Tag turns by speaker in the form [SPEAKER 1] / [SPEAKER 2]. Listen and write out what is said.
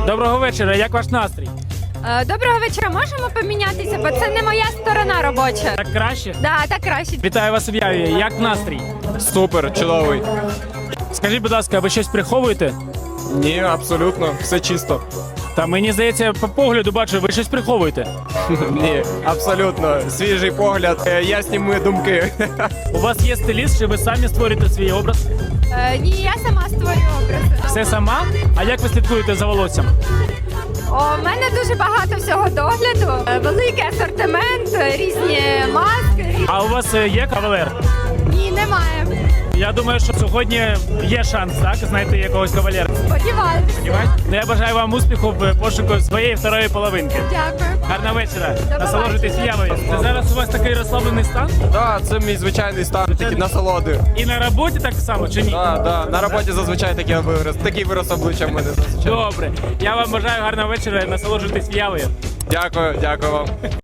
[SPEAKER 1] Доброго вечора, як ваш настрій?
[SPEAKER 2] Доброго вечора, можемо помінятися, бо це не моя сторона робоча.
[SPEAKER 1] Так краще?
[SPEAKER 2] Да, так краще.
[SPEAKER 1] Вітаю вас в Яві, як настрій?
[SPEAKER 3] Супер, чудовий.
[SPEAKER 1] Скажіть, будь ласка, ви щось приховуєте?
[SPEAKER 3] Ні, абсолютно, все чисто.
[SPEAKER 1] Та мені здається, по погляду бачу, ви щось приховуєте.
[SPEAKER 3] Ні, абсолютно. Свіжий погляд, ясні мої думки.
[SPEAKER 1] У вас є стиліст, чи ви самі створюєте свій образ?
[SPEAKER 2] Ні, я сама створюю образи.
[SPEAKER 1] Все сама? А як ви слідкуєте за волоссям?
[SPEAKER 2] У мене дуже багато всього догляду, великий асортимент, різні маски.
[SPEAKER 1] А у вас є кавалер?
[SPEAKER 2] Ні, немає.
[SPEAKER 1] Я думаю, що сьогодні є шанс, так, знайти якогось кавалера.
[SPEAKER 2] Сподіваюся.
[SPEAKER 1] Ну, я бажаю вам успіху в пошуку своєї второї половинки.
[SPEAKER 2] Дякую.
[SPEAKER 1] Гарного вечора.
[SPEAKER 2] побачення.
[SPEAKER 1] Насолоджуйтесь Явою. Це зараз у вас такий розслаблений стан?
[SPEAKER 3] Так, це мій звичайний стан, такі насолоди.
[SPEAKER 1] І на роботі так само, чи ні?
[SPEAKER 3] Так, на роботі зазвичай такий вираз обличчя в мене зазвичай.
[SPEAKER 1] Добре. Я вам бажаю гарного вечора і насолоджуйтесь Явою.
[SPEAKER 3] Дякую вам.